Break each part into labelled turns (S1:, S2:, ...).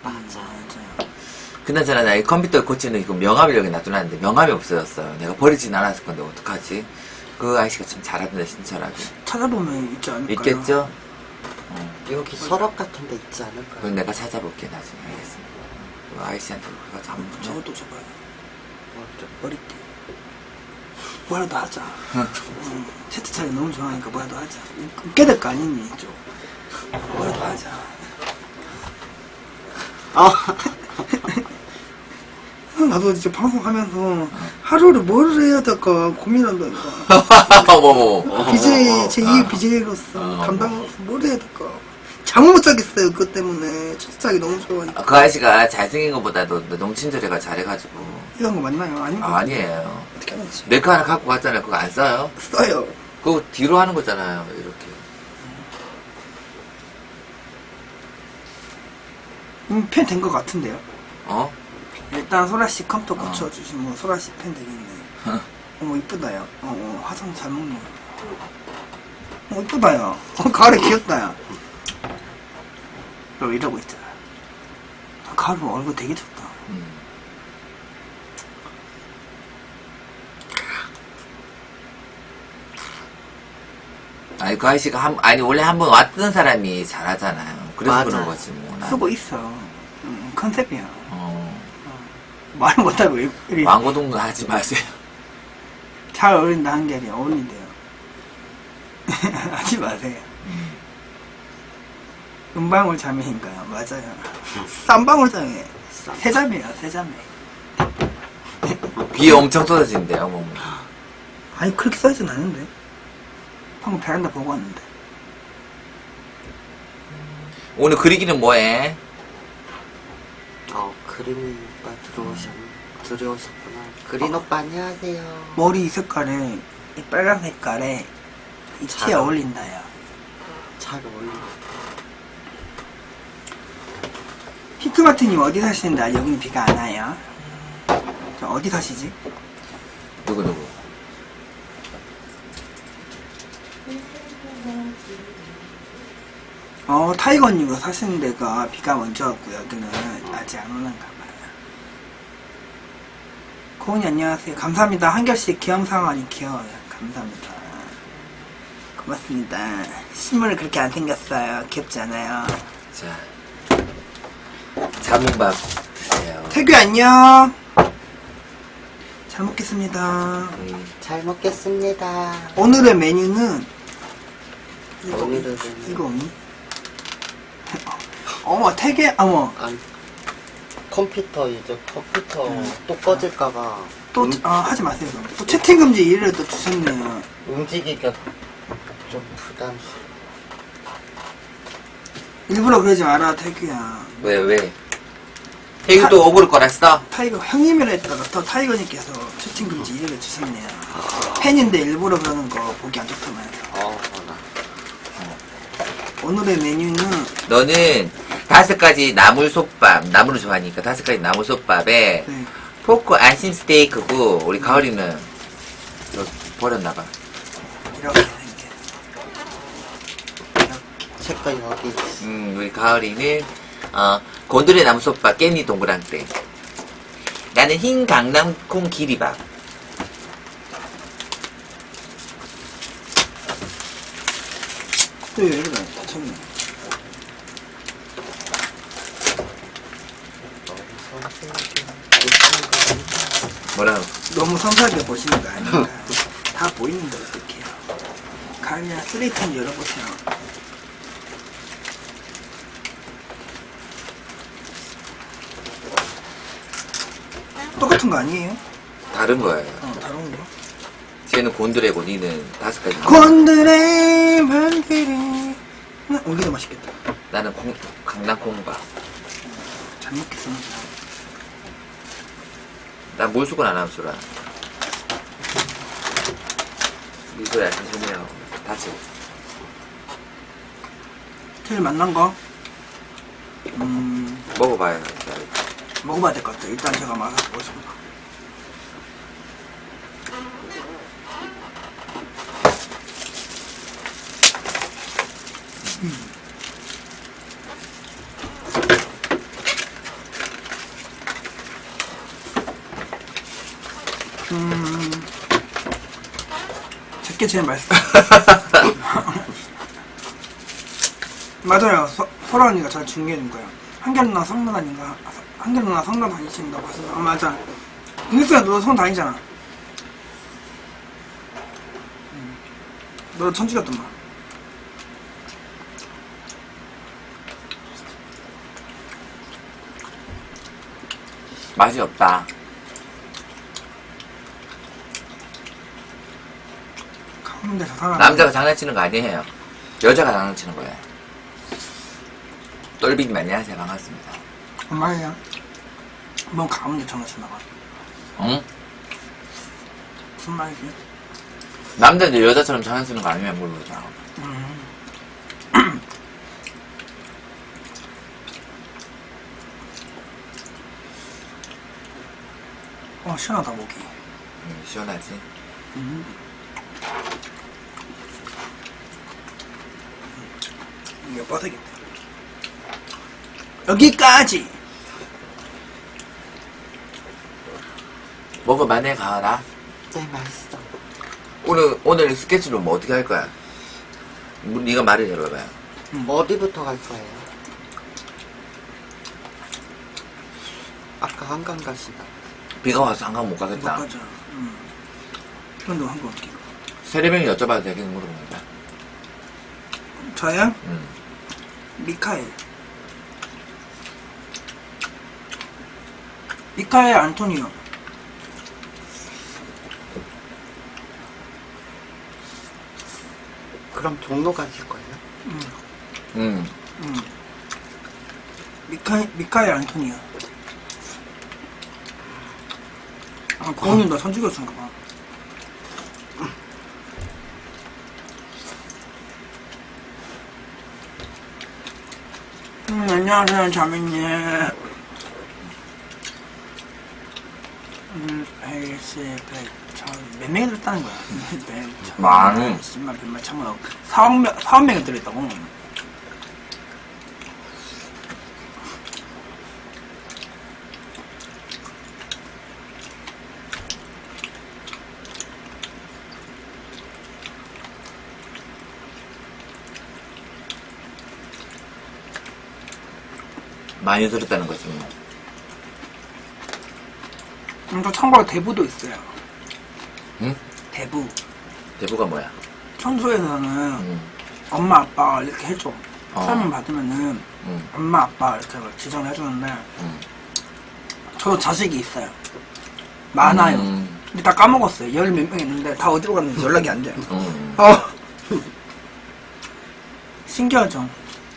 S1: 맞아.
S2: 그나저나 나 이 컴퓨터 고치는 이거 명함을 여기 놔두놨는데 명함이 없어졌어요. 내가 버리진 않았을 건데 어떡하지? 그 아저씨가 참 잘하던데 친절하게.
S3: 찾아보면 있지 않을까요?
S2: 있겠죠?
S1: 여기 서랍 같은 데 있지 않을까요?
S2: 그건 내가 찾아볼게 나중에. 알겠습니다. 그 아저씨한테 가서 한번 붙여.
S3: 저것도 줘봐요. 머리띠. 뭐라도 하자. 채트차이 너무 좋아하니까 뭐라도 하자. 웃게 될 거 아니니, 좀. 뭐라도 하자. 나도 이제 방송하면서 하루를 뭘 해야 될까 고민한다니까.
S2: 어머머.
S3: BJ, 제2의 BJ로서 담당으로서 뭘 해야 될까. 잠을 못 자겠어요, 그것 때문에. 채트차이 너무 좋아하니까.
S2: 그 아저씨가 잘생긴 것보다도 너무 친절해가 잘해가지고.
S3: 이런 거 맞나요? 아닌가?
S2: 아니에요.
S3: 어떻게 하는지.
S2: 내 거 하나 갖고 갔잖아요. 그거 안 써요?
S3: 써요.
S2: 그거 뒤로 하는 거잖아요. 이렇게.
S3: 펜 된 것 같은데요?
S2: 어?
S3: 일단 소라씨 컴퓨터 고쳐주시면 소라씨 펜 되겠네. 어머 이쁘다요. 화장 잘 먹네. 이쁘다요. 가을에 귀엽다요. 이러고 있잖아. 가을 얼굴 되게 좋다.
S2: 아니 그 아저씨가 아니 원래 한번 왔던 사람이 잘하잖아요. 그래서
S1: 맞아.
S2: 그런 거지 뭐. 난.
S3: 쓰고 있어. 컨셉이야. 말 못하고 이리
S2: 왕고동도 하지 마세요.
S3: 잘 어울린다 한 게 아니라 어울린대요. 하지 마세요. 은방울 자매인가요? 맞아요. 쌈방울 자매. 세자매요, 세자매.
S2: 비 엄청 쏟아진대요, 뭐.
S3: 아니 그렇게 써있진 않은데. 방금 베란다 보고 왔는데.
S2: 오늘 그리기는 뭐해?
S1: 그린 오빠 들어오셨구나. 그린 오빠 안녕하세요.
S3: 머리 색깔에 이 빨간 색깔에 이 티에
S1: 잘
S3: 어울린다요.
S1: 잘 어울려.
S3: 피크마트님 어디 사시는데 여기는 비가 안 와요? 저 어디 사시지?
S2: 누구?
S3: 타이거님으로 사시는 데가 비가 먼저 왔고 여기는 아직 안 오는가 봐요. 고은이 안녕하세요. 감사합니다. 한결씩 귀염상 아니 귀여워요. 감사합니다. 고맙습니다. 신문을 그렇게 안 생겼어요. 귀엽지 않아요?
S2: 자, 자문밥 드세요.
S3: 태규 안녕. 잘 먹겠습니다.
S1: 잘 먹겠습니다.
S3: 오늘의 메뉴는
S1: 오늘은
S3: 이거 없니? 어머 태규 어머
S1: 컴퓨터 또 꺼질까봐
S3: 또 하지 마세요. 또 채팅 금지 일을 또 주셨네요.
S1: 움직이기가 좀 부담스러워.
S3: 일부러 그러지 마라 태규야.
S2: 왜? 태규도 억울 거랬어?
S3: 타이거 형님이라 했다가 또 타이거님께서 채팅 금지 일을 주셨네요. 팬인데 일부러 그러는 거 보기 안 좋다면서. 오늘의 메뉴는
S2: 너는 5가지 나물솥밥, 나물을 좋아하니까 5가지 나물솥밥에
S3: 네.
S2: 포크 안심 스테이크고 우리 가을이는 이거 버렸나봐.
S3: 이렇게 생겨.
S1: 색깔 여기
S2: 우리 가을이는 곤드레 나물솥밥 깻잎 동그랑땡. 나는 흰 강낭콩 기리밥.
S3: 또 왜 이러다 다쳤네.
S2: 뭐라고?
S3: 너무 섬세하게 보시는 거 아닌가. 다 보이는데 어떡해요. 가을이야 쓰레기통 열어보세요. 똑같은 거 아니에요?
S2: 다른 거예요.
S3: 다른 거.
S2: 쟤는 곤드레고 니는 5가지.
S3: 곤드레 만드레. 오기도 맛있겠다.
S2: 나는 강낭콩밥.
S3: 잘 먹겠습니다.
S2: 난 물수건 안 하면 주라. 이거야 천천히요. 다치고.
S3: 제일 맛난 거?
S2: 먹어봐요.
S3: 먹어봐야 될 것 같아요. 일단 제가 맛을 보겠습니다. 제게 제일 맛있어. 맞아요. 설아 언니가 잘 중계해준 거야. 한결 누나 성남 다닌가? 한결 누나 성남 다니신다고 하시나? 맞아. 은수야, 너 성남 다니잖아. 너 천주였더만.
S2: 맛이 없다.
S3: 가운데 저 사람.
S2: 남자가 장난치는 거 아니에요. 여자가 장난치는 거예요. 똘비님 안녕하세요. 반갑습니다.
S3: 엄마야. 뭐 가운데 전화 치나가.
S2: 응?
S3: 무슨 말이지?
S2: 남자들 여자처럼 장난치는 거 아니면 모르겠다.
S3: 시원하다 목이.
S2: 시원하지?
S3: 이거 뻗어겠다. 여기까지.
S2: 먹어만해 가라.
S1: 네, 맛있어.
S2: 오늘 스케치로 뭐 어떻게 할 거야? 네가 말을 해봐봐요.
S1: 어디부터 갈 거예요? 아까 한강 가시다.
S2: 비가 와서 한강 못
S3: 못
S2: 가겠다.
S3: 가자. 그런데 한거 어떻게?
S2: 세례명이 여쭤봐도 되겠는 물어보는 거야.
S3: 저요?
S2: 응.
S3: 미카엘 안토니오.
S1: 그럼 종로 가실 거예요?
S2: 응.
S3: 미카엘 안토니오. 고은이 너 천주교수인가 봐. 안녕하세요, 자매님. 헬스 100, 몇 명이 들었다는 거야? 100,
S2: 많이.
S3: 10만, 100만, 1000만, 4억 명이 들었다고.
S2: 많이 들었다는 거지 뭐.
S3: 또 참고로 대부도 있어요.
S2: 응?
S3: 대부.
S2: 대부가 뭐야?
S3: 청소에서는 엄마 아빠 이렇게 해줘. 설명 받으면은 엄마 아빠 이렇게 지정을 해주는데 저도 자식이 있어요. 많아요. 근데 다 까먹었어요. 열 몇 명 있는데 다 어디로 갔는지 연락이 안 돼요. 신기하죠?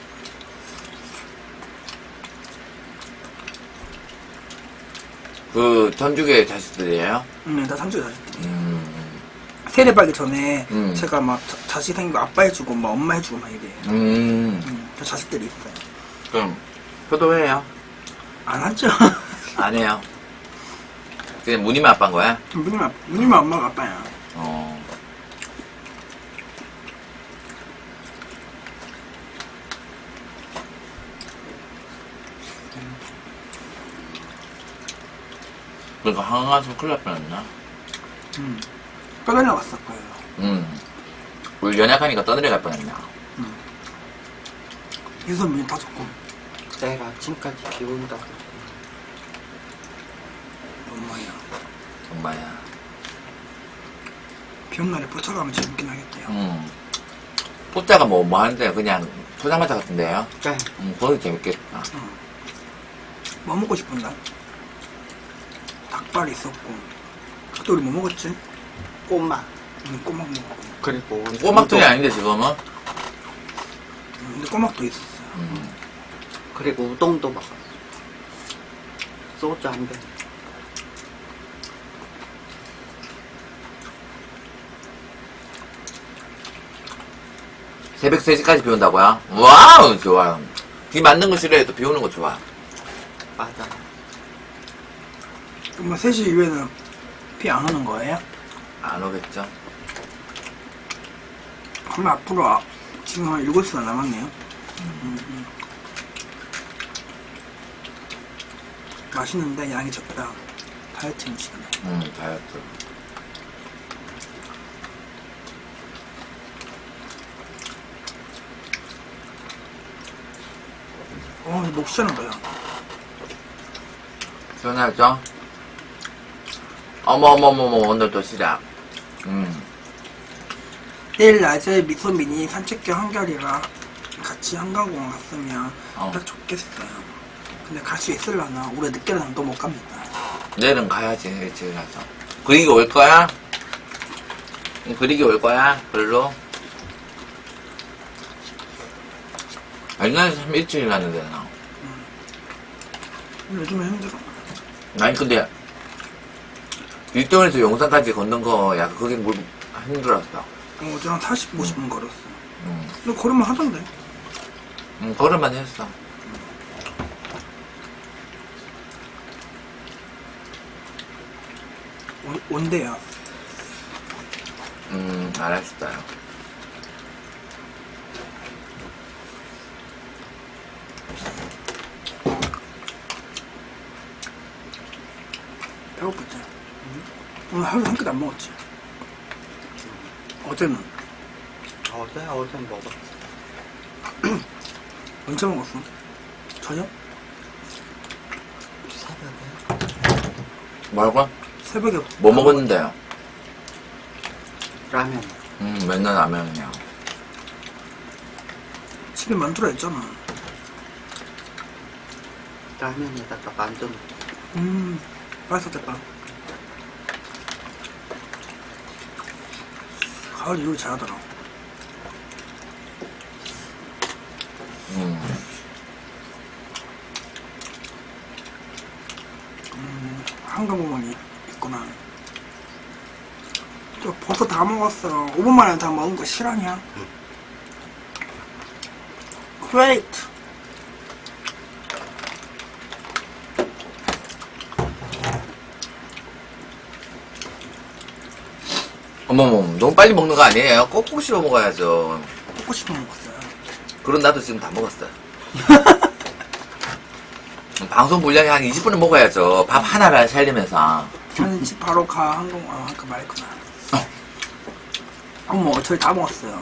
S2: 그 전주교의 자식들이에요?
S3: 다 삼촌 자식들이. 세례 받기 전에 제가 막 자식 생기고 아빠 해주고 막 엄마 해주고 막 이래요. 저 자식들이 있어요.
S2: 그럼 효도해요?
S3: 안 하죠?
S2: 안 해요. 그냥 무늬만 아빠인 거야?
S3: 누님은 엄마가 아빠야.
S2: 그러니까 한강 가서 큰일 날 뻔했나?
S3: 떠내려 왔을 거예요.
S2: 우리 연약하니까 떠내려 갈 뻔했나?
S3: 유선 문이 닫았고.
S1: 내일 아침까지 비 온다고.
S3: 엄마야. 비 온 날에 포차가면 재밌긴 하겠대요.
S2: 포자가 뭐 하는데 그냥 포장마차 같은데요?
S1: 네.
S2: 거기 재밌겠다.
S3: 뭐 먹고 싶은데? 닭발 있었고. 그때 우리 뭐 먹었지?
S1: 꼬막.
S3: 꼬막 먹었고.
S1: 그리고
S2: 꼬막전이 아닌데 지금은?
S3: 근데 꼬막도 있었어요.
S1: 그리고 우동도 먹었어. 소주 한 병.
S2: 새벽 3시까지 비 온다고요? 와우 좋아요. 비 맞는 거 싫어해도 비 오는 거 좋아.
S1: 맞아.
S3: 그럼 3시 이후에는 비 안 오는 거예요?
S2: 안 오겠죠?
S3: 그럼 앞으로 지금 한 7시간 남았네요. 맛있는데 양이 적다. 다이어트 음식이네.
S2: 다이어트.
S3: 목 시원한 거야.
S2: 시원하죠? 어머어머머머, 오늘 도시락.
S3: 내일 낮에 미소민이 산책 겸 한결이랑 같이 한강공원 갔으면 딱 좋겠어요. 근데 갈 수 있을라나? 올해 늦게는 또 못 갑니다.
S2: 내일은 가야지, 일찍 가서. 그리기 올 거야? 그리기 올 거야? 별로? 옛날에 참 일찍 일어났는데, 나.
S3: 요즘에 힘들어.
S2: 아니, 근데, 일동에서 용산까지 걷는 거, 약간 그게 힘들었어.
S3: 어제 한 40, 50분 걸었어. 근데 걸으면 하던데.
S2: 걸을만 했어.
S3: 온대요.
S2: 알았어요.
S3: 배고프지? 오늘 하루 한 끼도 안 먹었지? 어제는?
S1: 어제는 먹었지.
S3: 언제 먹었어? 저녁?
S1: 새벽에
S2: 뭐라고?
S3: 새벽에
S2: 뭐 먹었는데요?
S1: 라면.
S2: 맨날 라면이야.
S3: 집에 만두라 했잖아.
S1: 라면에다가 만두 넣고.
S3: 맛있었겠다. 가을 요리 잘하더라. 한강공원이 있구나. 저 벌써 다 먹었어. 5분 만에 다 먹은 거 실화냐? Great.
S2: 어머머, 너무 빨리 먹는 거 아니에요? 꼭꼭 씹어 먹어야죠.
S3: 먹고 싶으면 먹었어요.
S2: 그럼 나도 지금 다 먹었어요. 방송 분량이 한 20분은 먹어야죠. 밥 하나를 살리면서.
S3: 저는 집 바로 가. 그 말했구나. 어머, 저희 다 먹었어요.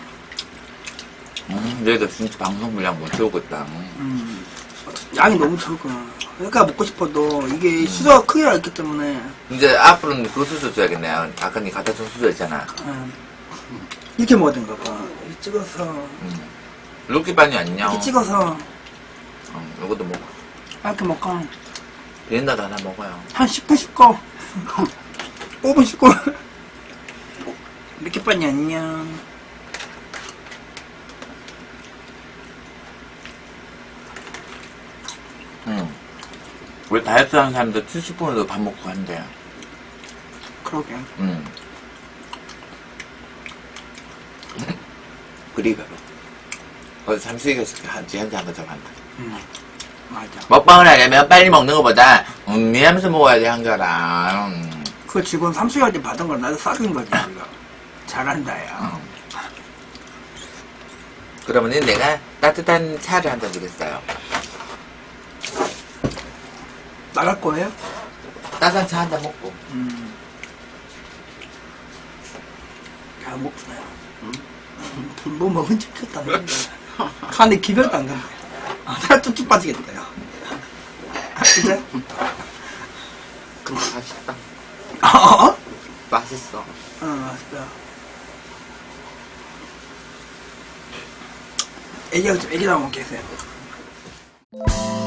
S2: 얘도 진짜 방송 분량 못 채우고 있다.
S3: 양이 너무 적구나. 그러니까 먹고 싶어도 이게 수저가 크기가 있기 때문에
S2: 이제 앞으로는 그 수저 줘야겠네요. 아까 니 갖다 준 수저 있잖아.
S3: 이렇게 먹어야 된가 봐. 이렇게 찍어서
S2: 루키반이 아니냐?
S3: 이렇게 찍어서
S2: 이것도 먹어.
S3: 이렇게 먹고
S2: 비린다도 하나 먹어요.
S3: 한 10분 씹고 5분 씹고 이렇게 빨리 안녕.
S2: 우리 다이어트 하는 사람들 70분에도 밥 먹고 간대요.
S3: 그러게.
S2: 그리 별로. 어제 삼수이가 지한테 한번 잡았다.
S3: 맞아.
S2: 먹방을 하려면 빨리 먹는 것보다 하면서 먹어야 돼, 한결아.
S3: 그 직원 삼수할 때 받은 걸 나도 싸준 거지. 우리가. 잘한다 야.
S2: 그러면은 내가 따뜻한 차를 한 잔 주겠어요.
S3: 나갈 거예요?
S2: 따뜻한 차 한 잔 먹고.
S3: 야 먹구나. 뭐 먹은 척 했다는데. 간에 기별도 안 간다. 살 쭉쭉 빠지겠다 야. 그래?
S1: 근데 맛있다.
S3: 어?
S1: 맛있어.
S3: 맛있다. 애기가 좀 애기다 먹게 해세요.